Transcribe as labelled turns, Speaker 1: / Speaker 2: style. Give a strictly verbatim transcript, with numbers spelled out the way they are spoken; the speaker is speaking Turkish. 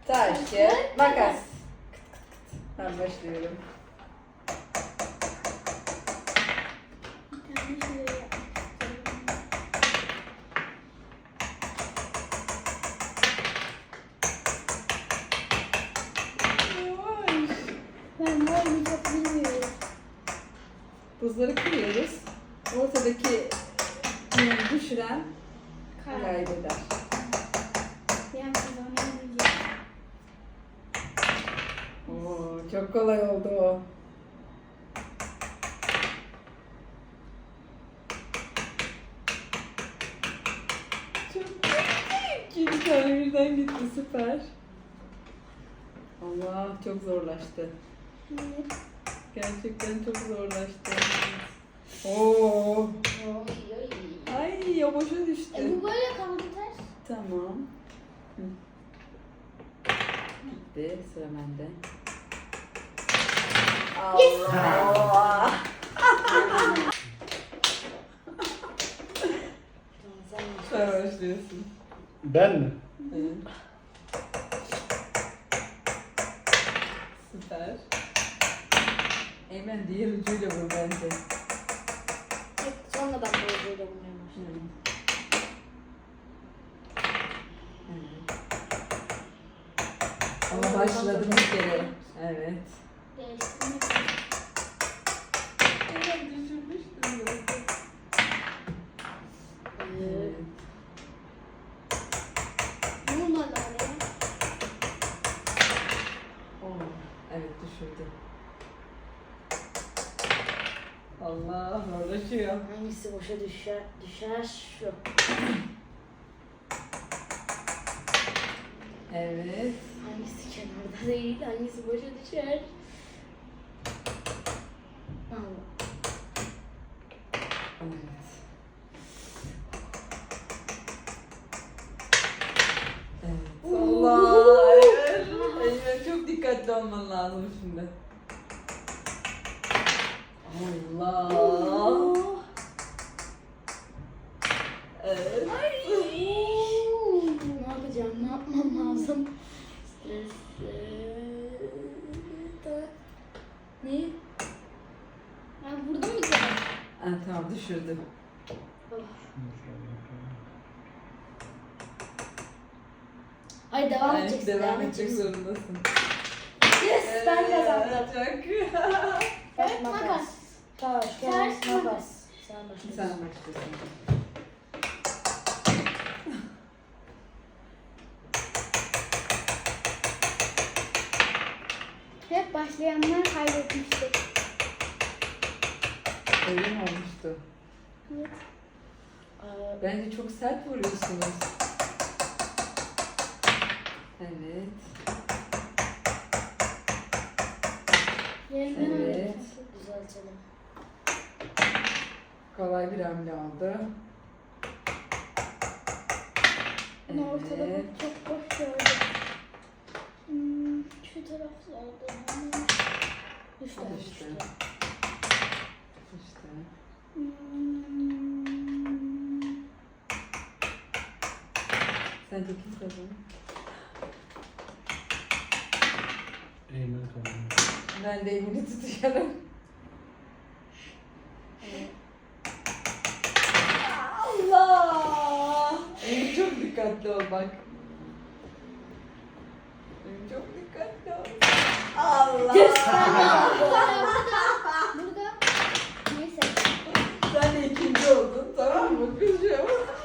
Speaker 1: Taş, kağıt, makas. Ben başlıyorum.
Speaker 2: Bir tane şöyle yapmak
Speaker 1: Yavaş.
Speaker 2: Ben bu oyunu çok bilmiyorum.
Speaker 1: Buzları kırıyoruz. Ortadaki yönü düşüren
Speaker 2: Kar.
Speaker 1: kaybeder.
Speaker 2: Ben kazanamayacağım.
Speaker 1: Oo, çok kolay oldu o. Çok iyi. İki tane birden gitti, süper. Allah, çok zorlaştı.
Speaker 2: Evet.
Speaker 1: Gerçekten çok zorlaştı. Oo. Ay, o boşa düştü.
Speaker 2: E bu böyle kaldı ters.
Speaker 1: Tamam. Hı. Bitti, sıra bende.
Speaker 2: Yes.
Speaker 1: Allah. Sen başlıyorsun.
Speaker 3: Ben mi?
Speaker 1: Evet. Süper. Eymen diğer ucuyla vur bence.
Speaker 2: Sonra ben bu ucuyla vurmaya başladım.
Speaker 1: Evet. Ama başladı bir kere. Evet.
Speaker 2: Değiştirmek.
Speaker 1: Evet, düşürmüştüm zaten. Evet.
Speaker 2: Vurmadı oraya.
Speaker 1: Oo, evet düşürdü. Allah, zorlaşıyor.
Speaker 4: Hangisi boşa düşer? Düşer şu.
Speaker 1: Evet.
Speaker 4: Hangisi kenarda değil, hangisi boşa düşer? Allah.
Speaker 1: Evet. Evet. Allah. Evet. Eyvah, çok dikkatli olman lazım şimdi. Allah. Evet.
Speaker 4: Ne yapacağım? Ne yapmam lazım? Stresli. Ne?
Speaker 2: Ben vurdum bir kere.
Speaker 1: Ha, tamam, düşürdü.
Speaker 4: Hayır devam
Speaker 1: Yani
Speaker 4: edeceksin.
Speaker 1: devam
Speaker 4: Devam
Speaker 1: edecek
Speaker 4: edeceksin.
Speaker 1: zorundasın.
Speaker 4: Yes, ben kazandım.
Speaker 1: Çok.
Speaker 2: Evet, makas.
Speaker 4: Taş,
Speaker 2: Ters
Speaker 4: kağıt,
Speaker 2: makas.
Speaker 4: makas. Sen başlıyorsun.
Speaker 1: Sen başlıyorsun.
Speaker 2: Hep başlayanlar kaybetmiştir.
Speaker 1: Öyle mi olmuştu?
Speaker 2: Evet.
Speaker 4: Ee,
Speaker 1: Bence çok sert vuruyorsunuz. Evet.
Speaker 2: Yerinden
Speaker 1: Evet.
Speaker 2: evet.
Speaker 4: düzeltelim.
Speaker 1: Kolay bir hamle oldu.
Speaker 2: Bunu ortada
Speaker 1: Evet.
Speaker 2: çok boş gördüm. Hmm, şu taraflarda.
Speaker 4: Düştü.
Speaker 1: Al
Speaker 4: Düştü.
Speaker 1: işte. İşte.
Speaker 2: Hmm.
Speaker 1: Sence kim kazanır?
Speaker 3: Eymen kazandı.
Speaker 1: Ben de elini tutuyorum. Allah! Elim çok dikkatli ol bak. Elim çok dikkatli ol. Allah!